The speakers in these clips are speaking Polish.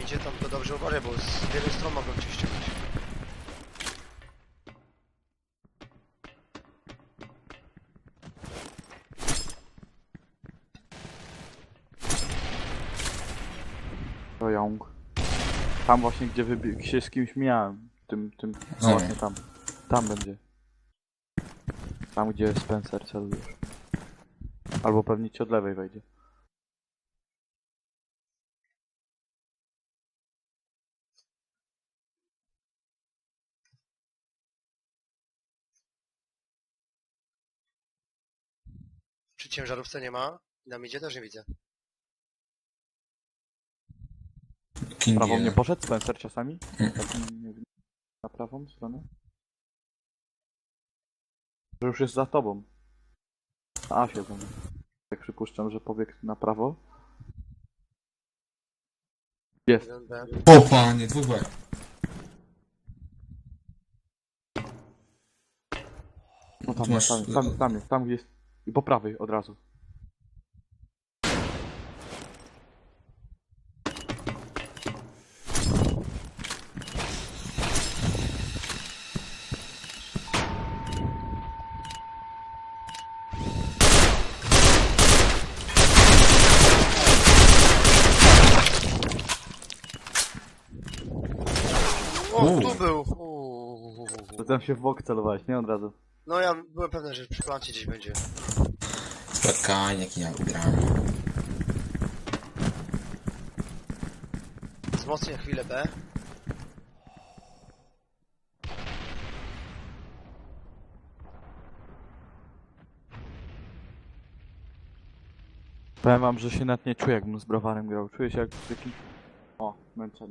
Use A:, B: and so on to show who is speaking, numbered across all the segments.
A: idzie, tam to dobrze uważaj, bo z wielu stron mogą cię ściągnąć.
B: To Young. Tam właśnie, gdzie się z kimś mijałem. No właśnie tam. Tam będzie. Tam, gdzie Spencer celujesz. Albo pewnie ci od lewej wejdzie.
A: Przy ciężarówce nie ma, na midzie też nie widzę.
B: Prawą nie poszedł Spencer czasami? Tak, nie wiem, na prawą stronę? Że już jest za tobą. Na A siedzą. Tak przypuszczam, że pobiegł na prawo. Jest.
A: 1B.
C: O panie, dwóch B.
B: No tam,
C: Tu masz-
B: tam gdzie jest. I po prawej od razu.
A: O, tu był!
B: To tam się w bok celowałeś, nie od razu.
A: No ja byłem pewny, że przy plancie gdzieś będzie.
C: Spotkanie, jak ja wygrałem.
A: Wzmocnię chwilę B.
B: Powiem wam, że się nawet nie czuję, jakbym z browarem grał. Czuję się jak w takim... O, męczenie.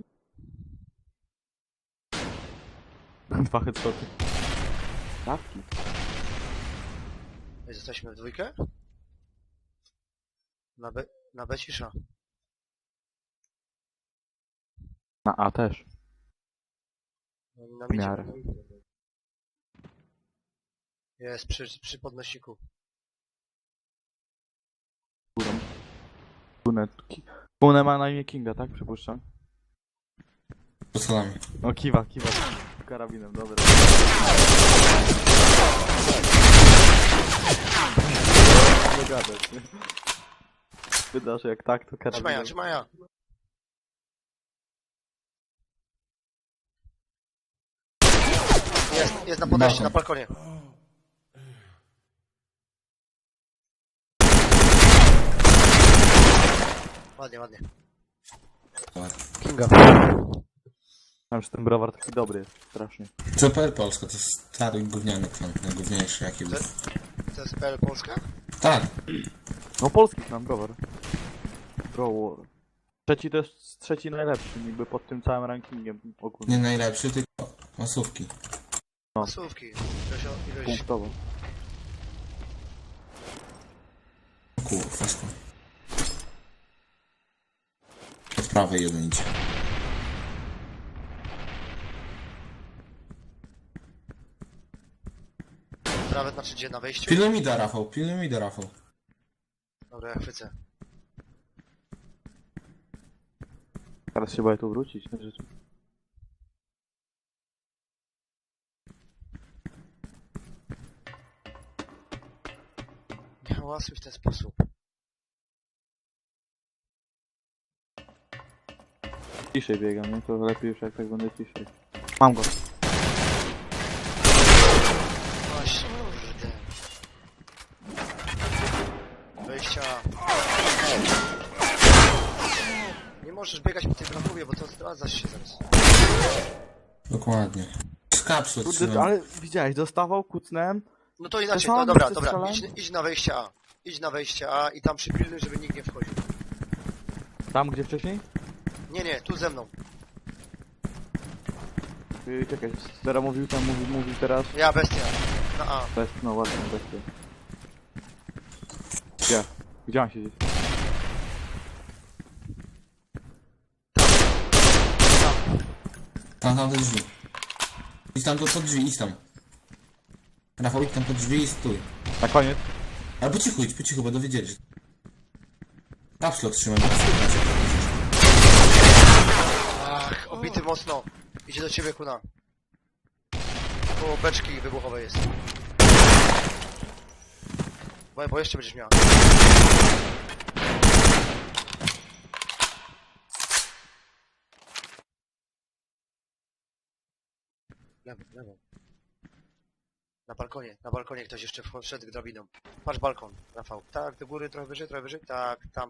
B: 2 headshoty. Dawki.
A: Jesteśmy w dwójkę? Na B cisza.
B: Na A też.
A: Na
B: W
A: midzie.
B: miarę.
A: Jest przy podnosiku.
B: Kune ma na imię Kinga, tak? Przypuszczam.
C: Pod schodami.
B: No kiwa. Karabinem, dobra. Nie gadać, nie? Wydasz, jak tak, to karabinem.
A: Trzymaj ja. Jest na podejściu, na balkonie. Ładnie. Kinga.
B: Wiem, że ten browar taki dobry jest, strasznie.
C: CPR Polska to jest stary gówniany kwan, najgówniejszy jaki był.
A: To jest PL Polska?
C: Tak,
B: No polski znam browar. Browar. Trzeci to jest trzeci najlepszy, niby pod tym całym rankingiem ogólnie.
C: nie najlepszy, tylko masówki.
A: Masówki. Ilość...
B: Punktowo.
C: Kurwa, skąd. Od prawej jeden idzie.
A: Prawe znaczy gdzie na wejściu?
C: Pilnuj mi da, Rafał, pilnuj mi da, Rafał.
A: Dobra, ja chwycę.
B: Teraz się boję tu wrócić, na rzeczy.
A: Nie hałasuj w ten sposób.
B: Ciszej biegam, nie? To lepiej już jak tak będę ciszej. Mam go.
A: Właśnie, kurde. Wejścia. Nie możesz biegać po tej bramkowie, bo to zdradzasz się zaraz.
C: Dokładnie. Z kapsły
B: Kurde,
C: trzymam.
B: ale widziałeś, dostawał, kucnąłem.
A: No to inaczej,
B: sam
A: no dobra,
B: ty
A: dobra.
B: strzelałem?
A: Idź na wejście A. Idź na wejście A i tam przypilnuj, żeby nikt nie wchodził.
B: Tam, gdzie wcześniej?
A: Nie, tu ze mną.
B: Czekaj, teraz mówił tam, mówił teraz.
A: Ja, bestia. Na A.
B: No ładnie, bestia. Gdzie? Gdzie on siedzi?
C: Tam te drzwi. Idź tam pod drzwi, idź tam. Rafał, idź tam pod drzwi i stój.
B: Na koniec?
C: Ale po cichu, bo dowiedzieli, że... Kapslot trzymaj, bo słychać jak to
A: mocno. Idzie do ciebie, kuna. Koło beczki wybuchowej jest. Bo jeszcze będziesz miała. Lewo. Na balkonie ktoś jeszcze wszedł drabiną. Patrz balkon, Rafał. Tak, do góry, trochę wyżej. Tak, tam.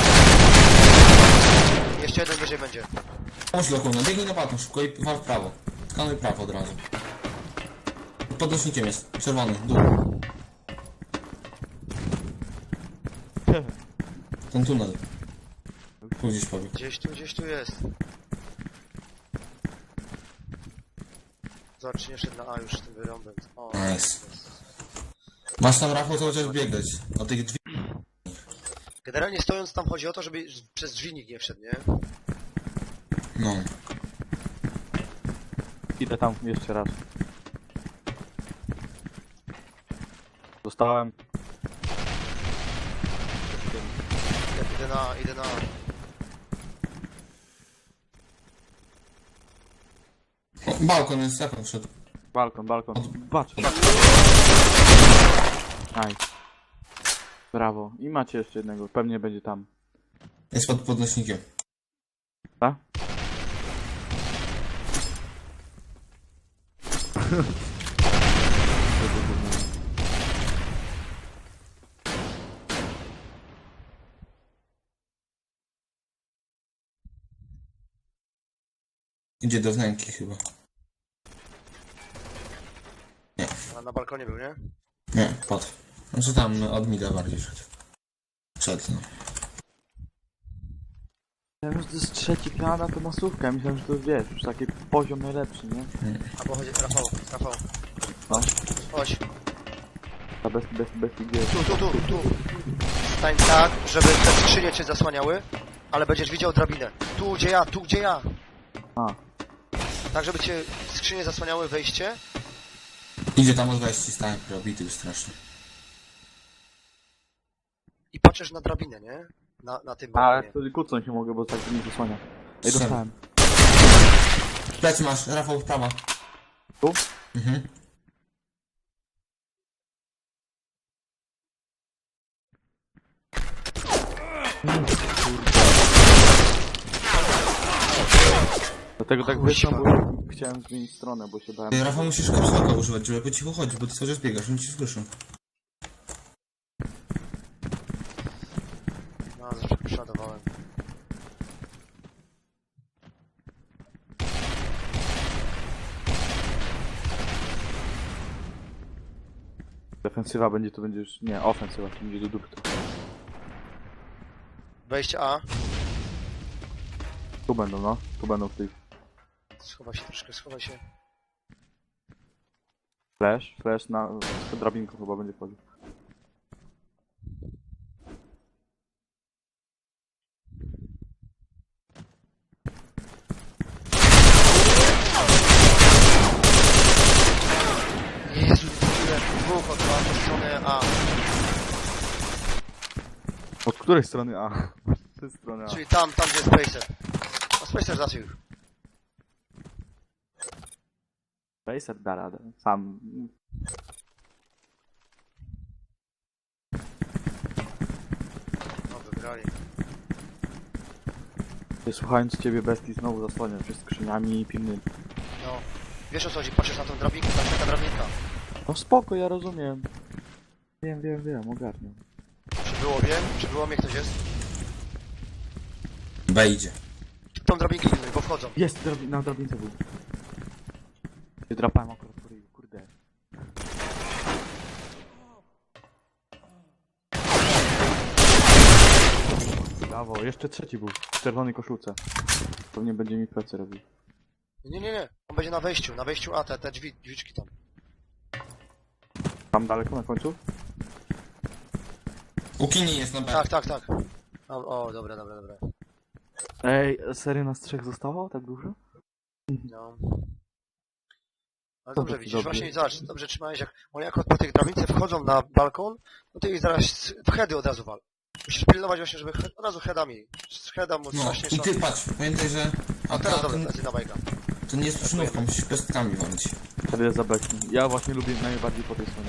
A: Jeszcze jeden wyżej będzie.
C: Pomóż do kuna, biegnij na balkon szybko i wal w prawo. Skanuj prawo od razu. Pod podnośnikiem jest, czerwony, dół. Ten tunel. Tu gdzieś pobiegł.
A: Gdzieś tu jest. Zobacz, czy nie szedł na A już z tym wyrąbem. O,
C: Nice. Masz tam, Rafał, cały czas biegać. O tych drzwi.
A: generalnie stojąc tam chodzi o to, żeby przez drzwi nikt nie wszedł, nie?
C: No.
B: Idę tam jeszcze raz. Dostałem.
A: Idę na A.
C: O, balkon jest, jak on wszedł?
B: Balkon. Patrz. Nice. Brawo. I macie jeszcze jednego. Pewnie będzie tam.
C: Jest pod podnośnikiem.
B: Tak?
C: Idzie do wnęki chyba.
A: A na balkonie był, nie?
C: Nie, padł. Znaczy tam od mida bardziej szedł. Szedł, no.
B: Ja już to jest trzeci piana, to masówka. Ja myślałem, że to wiesz, już taki poziom najlepszy, nie?
A: Albo chodzi, Rafał.
B: No.
A: Chodź.
B: Ta bez idei.
A: Tu. Stań tak, żeby te skrzynie cię zasłaniały, ale będziesz widział drabinę. Tu gdzie ja.
B: A.
A: Tak, żeby cię skrzynie zasłaniały wejście.
C: Idzie tam od wejścia, stałem probity już strasznie.
A: I patrzysz na drabinę, nie? Na tym
B: A,
A: balkonie.
B: wtedy kucnąć nie mogę, bo tak nie zasłania. Ej,
C: Strzel.
B: dostałem.
C: Plecy masz, Rafał, prawa.
B: Tu?
C: Mhm.
B: Dlatego tak
A: Kuźwa.
B: wyszło, bo chciałem zmienić stronę, bo się bałem.
C: Ty, Rafał, musisz kapsułka używać, żeby po cichu chodzić, bo ty cały czas biegasz, oni cię słyszą.
A: No, zawsze przeładowałem.
B: Defensywa będzie, to będzie już... Nie, ofensywa, to będzie do dupy.
A: Wejście A.
B: Tu będą, no. Tu będą w tych...
A: Schowaj się.
B: Flash na... Z drabinką chyba będzie wchodził.
A: Jezu, dwóch od strony A.
B: Od której strony A? Z tej strony A.
A: Czyli tam gdzie jest Spacer. A Spacer zaczął już.
B: Racer da radę. Sam...
A: No, wygrali.
B: Słuchając ciebie, bestii znowu zasłania się skrzyniami i pilnymi.
A: No. Wiesz o co chodzi, patrzysz na tą drabinkę, tam taka drabinka.
B: No spoko, ja rozumiem. Wiem, ogarniam.
A: Przybyło mnie ktoś jest?
C: B idzie.
A: Tą drabinkę pilnuj, bo wchodzą.
B: Jest, na drabince był. Się drapałem akurat po ryju, kurde. Brawo, jeszcze trzeci był. W czerwonej koszulce. Pewnie będzie mi plecy robił.
A: Nie. On będzie na wejściu A, te drzwiczki tam.
B: Tam daleko na końcu?
C: U Kini jest na B.
A: Tak. O, dobra.
B: Ej, serio nas trzech zostało? Tak dużo?
A: No. Ale
B: To
A: dobrze
B: dobrze.
A: widzisz, właśnie zobacz, dobrze trzymałeś, jak oni jako po tych drabince wchodzą na balkon, no to ich zaraz w heady od razu wal. Musisz pilnować właśnie, żeby od razu headami. Z heada mu
C: No
A: strasznie
C: i ty patrz, pamiętaj, że
A: A teraz
C: to,
A: dobra, lecę na bajka.
C: to nie jest przynówka, musisz pestkami walić.
B: Wtedy jest za beczki. Ja właśnie lubię najbardziej po tej stronie.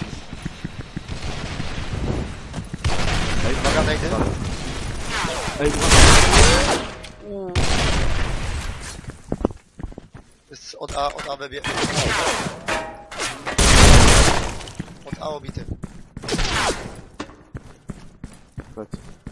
B: Ej,
A: Uwaga, najdy.
B: Ej,
A: Jest od A wybie. Od A obity.
B: Lec.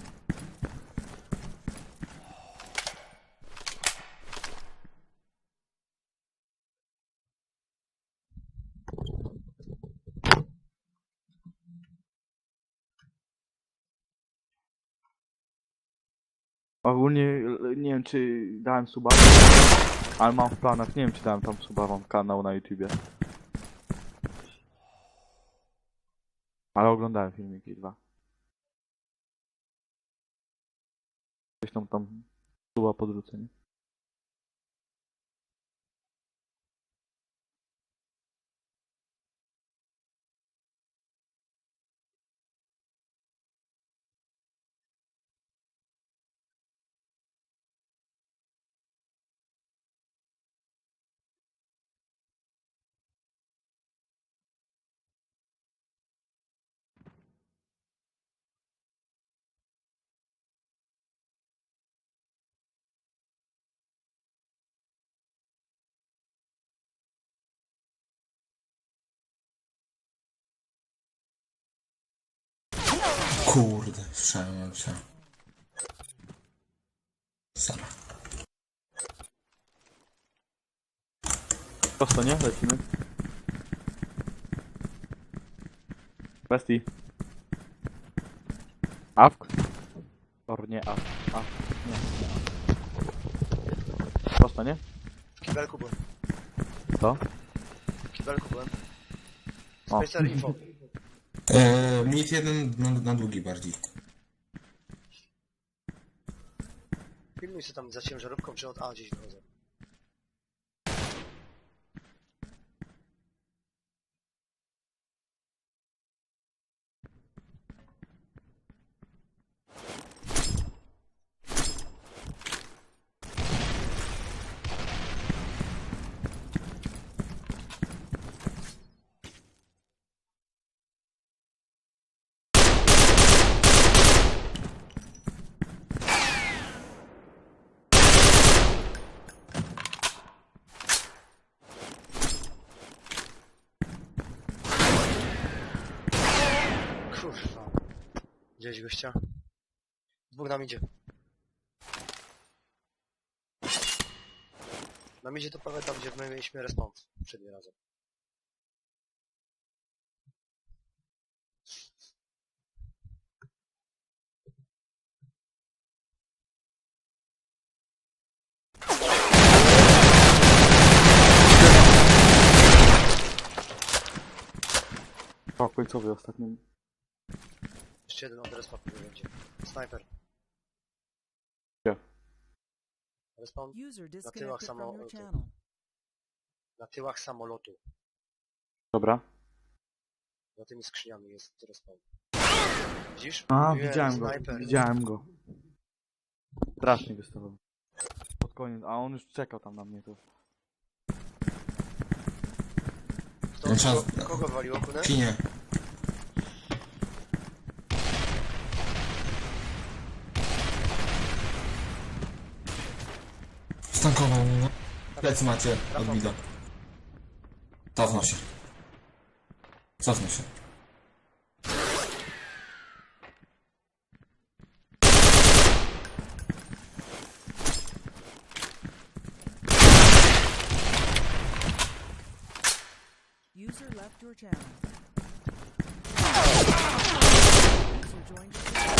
B: Ogólnie nie wiem czy dałem suba, ale mam w planach, nie wiem czy dałem tam suba, mam kanał na YouTubie. Ale oglądałem filmiki 2. Coś tam suba podrzucę, nie?
C: Kurde, słyszałem się. Sara.
B: Prosto, nie? Lecimy. Bestii. Awk? Or nie awk. Awk. Nie, nie awk. Prosto, nie?
A: W kibelku byłem.
B: Co?
A: W kibelku byłem.
B: O.
A: Spacer info.
C: Mit jeden na długi bardziej.
A: Pilnuj się tam za ciężarówką, czy od A gdzieś wychodzę. Kurwa. Gdzieś gościa. Dwóch nam idzie. Nam idzie to prawie tam, gdzie my mieliśmy respawn przednim razem.
B: O, końcowy ostatni.
A: Jeszcze jeden od respawn będzie. Snajper.
B: Gdzie?
A: Respawn
D: User
A: tyłach
D: disconnected from your
A: samolotu.
D: channel.
A: na tyłach samolotu.
B: Dobra.
A: Za tymi skrzyniami jest respawn. Widzisz?
B: A,
A: Jest
B: widziałem go.
A: snajper.
B: Widziałem go. Strasznie wystawał. Pod koniec, a on już czekał tam na mnie tu.
A: Kto, kogo waliło, kunę?
C: Czy nie? Stankował mnie, no. Plecy macie, odbida. Cofnął się. Cofnął się.
D: User left your channel. User joined your channel.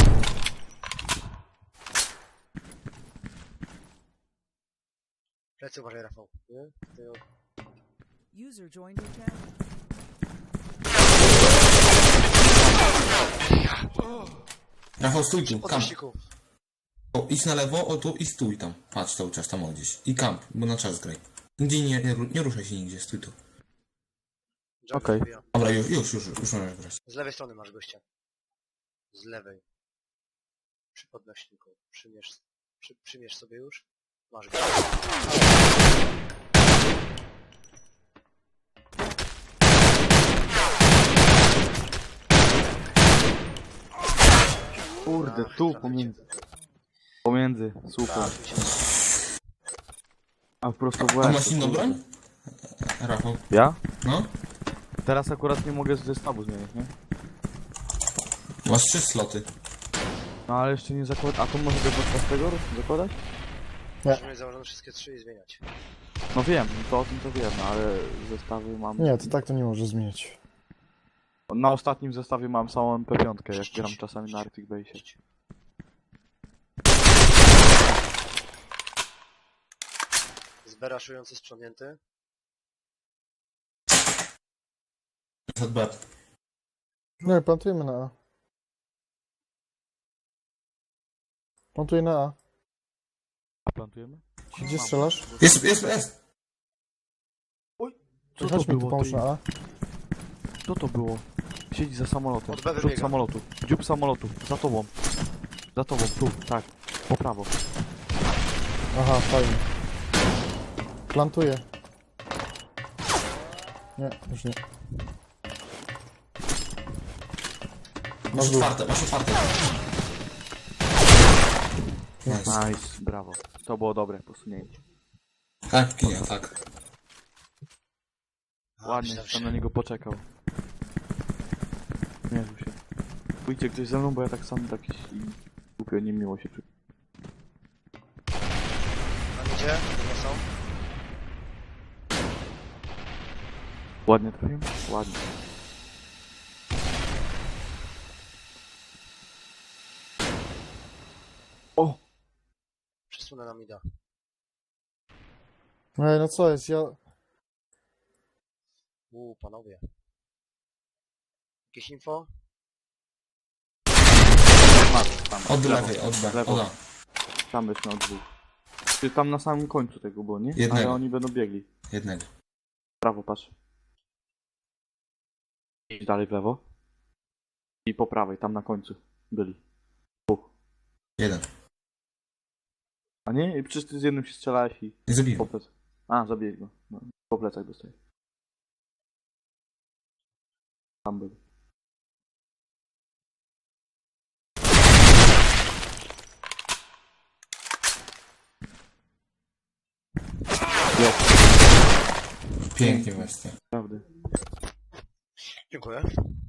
A: Plecy uważaj, Rafał. Nie? Ty...
D: User joined your channel.
C: Rafał, stój tu,
A: Po
C: kamp.
A: tościku.
C: O, idź na lewo, o tu i stój tam. Patrz cały czas tam o gdzieś. I kamp, bo na czas graj. Nigdzie nie ruszaj się nigdzie, stój tu.
A: Jungle
B: Okej.
A: wbija.
C: Dobra, już możesz grać.
A: Z lewej strony masz gościa. Z lewej. Przy podnośniku. Przymierz sobie już. Masz go.
B: Kurde,
A: Ach,
B: tu
A: traficie.
B: pomiędzy. Pomiędzy, super.
A: Trafił się.
B: A prosto w
C: A
B: łeb.
C: masz
B: to
C: inną
B: kurde.
C: broń? Rafał.
B: Ja?
C: No?
B: Teraz akurat nie mogę zestawu zmienić, nie?
C: Masz 3 sloty.
B: No ale jeszcze nie zakładam. A to może go podczas tego zakładać?
A: Możemy mieć założone wszystkie 3 i zmieniać.
B: No wiem, to o tym to wiem, no, ale zestawy mam...
E: Nie, to tak to nie może zmienić.
B: Na ostatnim zestawie mam samą MP5, jak gram czasami na Arctic Base.
A: Zberaszujący sprzątnięty.
C: ZB.
E: Nie, plantujemy na A. Plantuję na A.
B: A plantujemy?
E: Gdzie strzelasz?
C: Jest!
B: Co to
E: Chodź mi tu
B: było,
E: pomóż
B: ty?
E: na A.
B: Co to było? Siedzi za samolotem.
A: Od B
B: Przód
A: wybiega.
B: samolotu. Dziób samolotu. Za tobą. Za tobą, tu, tak. Po prawo.
E: Aha, fajnie. Plantuję. Nie, już nie.
C: Masz
E: dół.
C: otwarte. Nice.
B: Nice, brawo. To było dobre posunięcie.
C: Tak, kinia, tak.
B: Ładnie,
A: myślałem,
B: tam
A: że-
B: na niego poczekał. Nie rzuł się. Pójdźcie ktoś ze mną, bo ja tak sam jakiś i głupio niemiło się czuję.
A: Tam idzie, to są.
B: Ładnie trafiłem? Ładnie. O!
A: Przesunę na mida.
E: Ej, no co jest, ja...
A: Panowie. Jakieś info?
B: Masz, tam.
C: Od
B: lewo,
C: lewej, od B.
B: lewo.
C: Od A.
B: Tam byśmy od dwóch. Czy tam na samym końcu tego było, nie?
C: Jednego.
B: Ale oni będą biegli.
C: Jednego.
B: Prawo patrz. Idź dalej w lewo. I po prawej, tam na końcu byli. Dwóch.
C: Jeden.
B: A nie? I przecież ty z jednym się strzelałeś i
C: Nie zabiję.
B: po plecach. A, zabiłeś go. No, po plecach dostaje. Tam byli. Jest,
C: Pięknie właśnie.
B: prawda.
A: Dziękuję.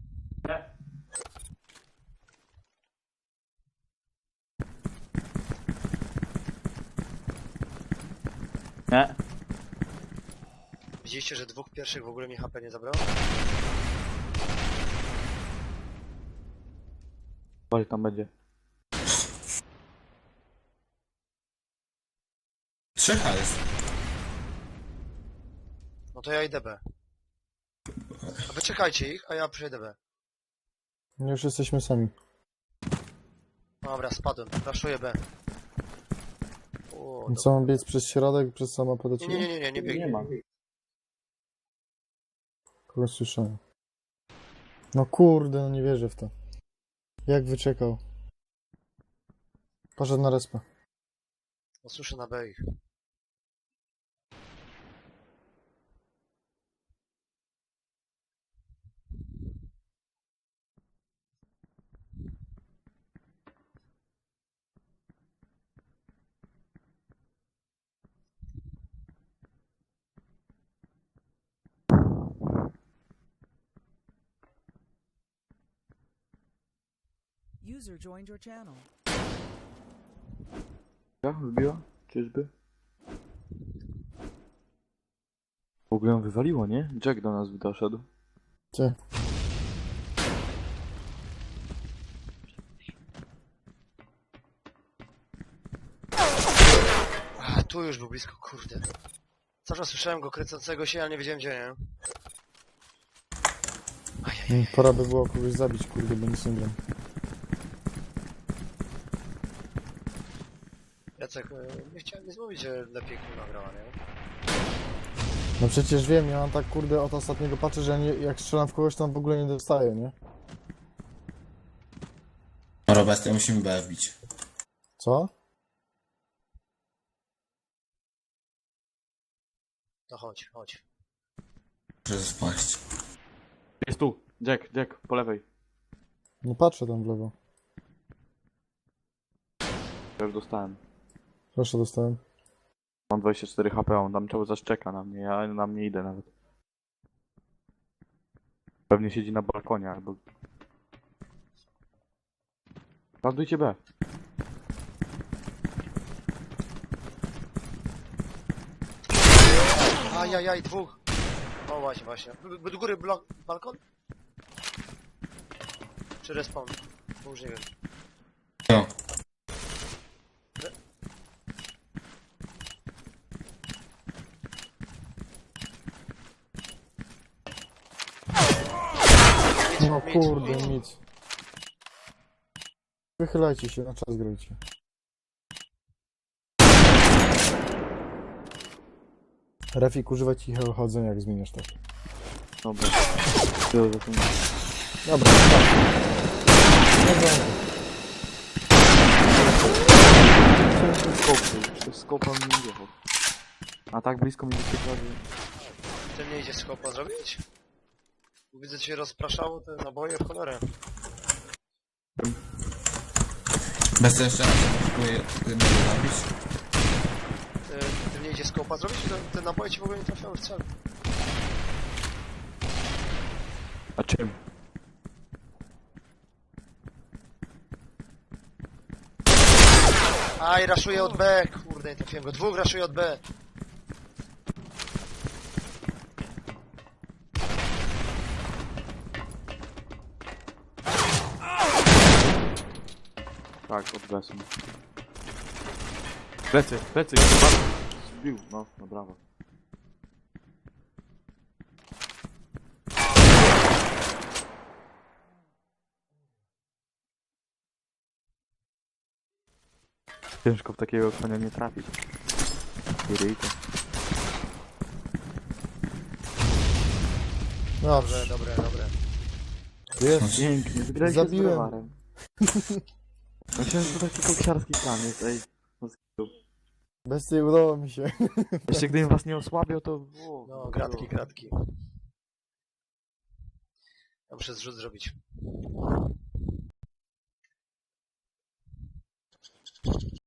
B: Nie?
A: Widzieliście, że 2 pierwszych w ogóle mi HP nie zabrało?
B: Uważaj, tam będzie.
C: 3 jest.
A: No to ja idę B. A wy czekajcie ich, a ja przejdę B.
E: Już jesteśmy sami.
A: Dobra, spadłem. Raszuję B. O,
E: Co mam biec przez środek, przez samochód do
A: nie,
E: ciebie?
A: nie, nie, nie, nie biegnie.
B: Nie ma.
E: Kogoś słyszałem. No kurde, no nie wierzę w to. Jak wyczekał? Poszedł na respę.
A: No słyszę na B ich.
D: User joined your channel.
B: Ja? Wybiła? Czyżby? W ogóle ją wywaliło, nie? Jack do nas doszedł.
E: Ty.
A: A, tu już był blisko, kurde. Cały czas słyszałem go kręcącego się, ale nie wiedziałem gdzie, nie? Ajajaj.
E: Pora by było kogoś zabić, kurde, bo nic nie wiem.
A: Jacek, nie chciałem nic mówić, że lepiej kurwa grała, nie?
E: No przecież wiem, ja mam tak kurde od ostatniego patrzę, że ja nie, jak strzelam w kogoś, to on w ogóle nie dostaje, nie?
C: Dobra, bestia, musimy B wbić.
E: Co?
A: No chodź, chodź.
C: Może spaść.
B: Jest tu! Jack, po lewej.
E: No patrzę tam w lewo.
B: Ja już dostałem.
E: Proszę, dostałem.
B: Mam 24 HP, on tam cały czas czeka na mnie, ja na mnie idę nawet. Pewnie siedzi na balkonie albo... Landujcie B.
A: Ajajaj, dwóch. No właśnie, właśnie. Do góry balkon? Czy respawn? Bo już nie wiem.
C: No.
E: No kurde, nic. Wychylajcie się, na czas grajcie. Refik, używaj cichego chodzenia, jak zmieniasz tak.
B: Dobra. Tyle za tym.
E: Dobra, tak. Dobra.
B: Chciałem ten skop był, to skopa mi nie wjechał. A tak blisko mi wyświetla, że...
A: Ty nie idzie skopa zrobić? Widzę, cię rozpraszało te naboje w cholerę.
C: Bez jeszcze raz próbuję mnie zabić.
A: Ty nie idzie skopa zrobić? Te naboje ci w ogóle nie trafiały w cel.
B: A czym?
A: Aj, raszuje od B, kurde, nie trafiłem go. Dwóch raszuje od B.
B: Tak, od B są. Plecy, chyba zbił, no brawo. Ciężko w takiego konia nie trafić. Ryjka.
E: Dobrze,
A: Dobre.
E: jest.
B: Pięknie, wygraliście
E: Zabiłem.
B: z Brewarem. Myślałem, że to taki koksiarski plan jest, ej. No,
E: Bez tej udało mi się.
B: jeszcze gdybym was nie osłabiał, to... O,
A: No, gratki. Ja muszę zrzut zrobić.